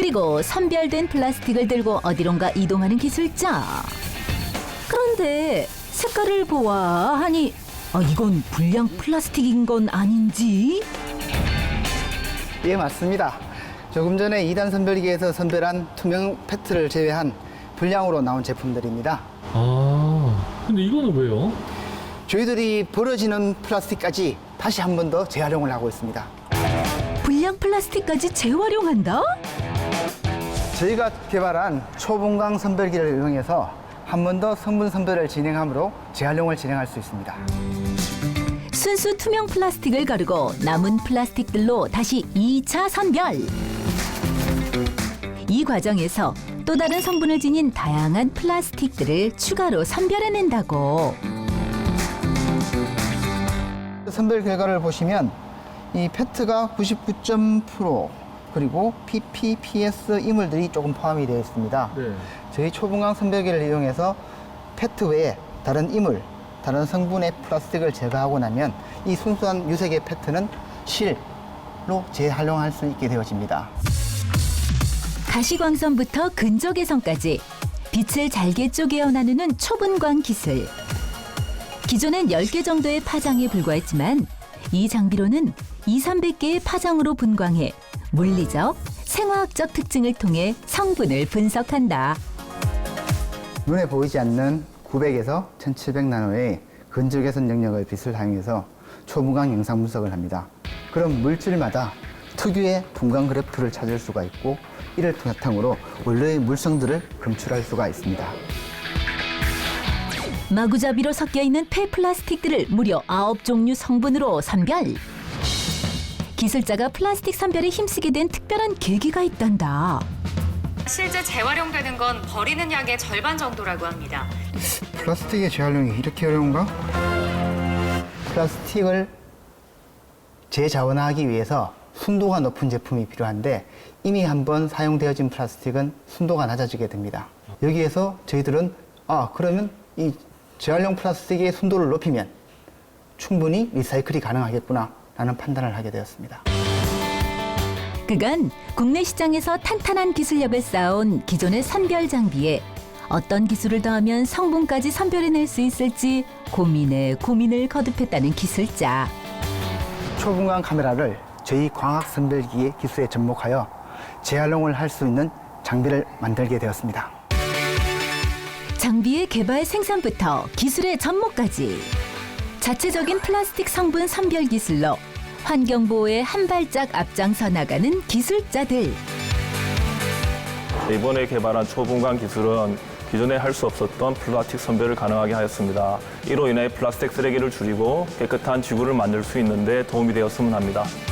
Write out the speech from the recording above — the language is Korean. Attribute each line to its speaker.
Speaker 1: 그리고 선별된 플라스틱을 들고 어디론가 이동하는 기술자. 그런데 색깔을 보아하니 이건 불량 플라스틱인 건 아닌지?
Speaker 2: 예, 맞습니다. 조금 전에 2단 선별기에서 선별한 투명 페트를 제외한 불량으로 나온 제품들입니다.
Speaker 3: 근데 이거는 왜요?
Speaker 2: 저희들이 버려지는 플라스틱까지 다시 한 번 더 재활용을 하고 있습니다.
Speaker 1: 불량 플라스틱까지 재활용한다?
Speaker 2: 저희가 개발한 초분광 선별기를 이용해서 한 번 더 성분 선별을 진행함으로 재활용을 진행할 수 있습니다.
Speaker 1: 순수 투명 플라스틱을 가르고 남은 플라스틱들로 다시 2차 선별. 이 과정에서 또 다른 성분을 지닌 다양한 플라스틱들을 추가로 선별해낸다고.
Speaker 2: 선별 결과를 보시면 이 페트가 99.% 그리고 PP, PS 이물들이 조금 포함이 되어 있습니다.
Speaker 3: 네.
Speaker 2: 저희 초분광 선별기를 이용해서 페트 외에 다른 이물, 다른 성분의 플라스틱을 제거하고 나면 이 순수한 유색의 페트는 실로 재활용할 수 있게 되어집니다.
Speaker 1: 가시광선부터 근적외선까지 빛을 잘게 쪼개어 나누는 초분광 기술. 기존엔 10개 정도의 파장에 불과했지만 이 장비로는 200~300개의 파장으로 분광해 물리적, 생화학적 특징을 통해 성분을 분석한다.
Speaker 2: 눈에 보이지 않는 900에서 1700 나노의 근적외선 영역의 빛을 사용해서 초분광 영상 분석을 합니다. 그럼 물질마다 특유의 분광 그래프를 찾을 수가 있고 이를 바탕으로 원래의 물성들을 검출할 수가 있습니다.
Speaker 1: 마구잡이로 섞여 있는 폐플라스틱들을 무려 9종류 성분으로 선별. 기술자가 플라스틱 선별에 힘쓰게 된 특별한 계기가 있단다.
Speaker 4: 실제 재활용되는 건 버리는 양의 절반 정도라고 합니다.
Speaker 2: 플라스틱의 재활용이 이렇게 어려운가? 플라스틱을 재자원화하기 위해서 순도가 높은 제품이 필요한데 이미 한번 사용되어진 플라스틱은 순도가 낮아지게 됩니다. 여기에서 저희들은 그러면 이 재활용 플라스틱의 순도를 높이면 충분히 리사이클이 가능하겠구나 라는 판단을 하게 되었습니다.
Speaker 1: 그간 국내 시장에서 탄탄한 기술력을 쌓아온 기존의 선별 장비에 어떤 기술을 더하면 성분까지 선별해낼 수 있을지 고민에 고민을 거듭했다는 기술자.
Speaker 2: 초분광 카메라를 저희 광학 선별기의 기술에 접목하여 재활용을 할 수 있는 장비를 만들게 되었습니다.
Speaker 1: 장비의 개발 생산부터 기술의 접목까지 자체적인 플라스틱 성분 선별 기술로 환경보호에 한 발짝 앞장서 나가는 기술자들.
Speaker 5: 이번에 개발한 초분광 기술은 기존에 할 수 없었던 플라스틱 선별을 가능하게 하였습니다. 이로 인해 플라스틱 쓰레기를 줄이고 깨끗한 지구를 만들 수 있는 데 도움이 되었으면 합니다.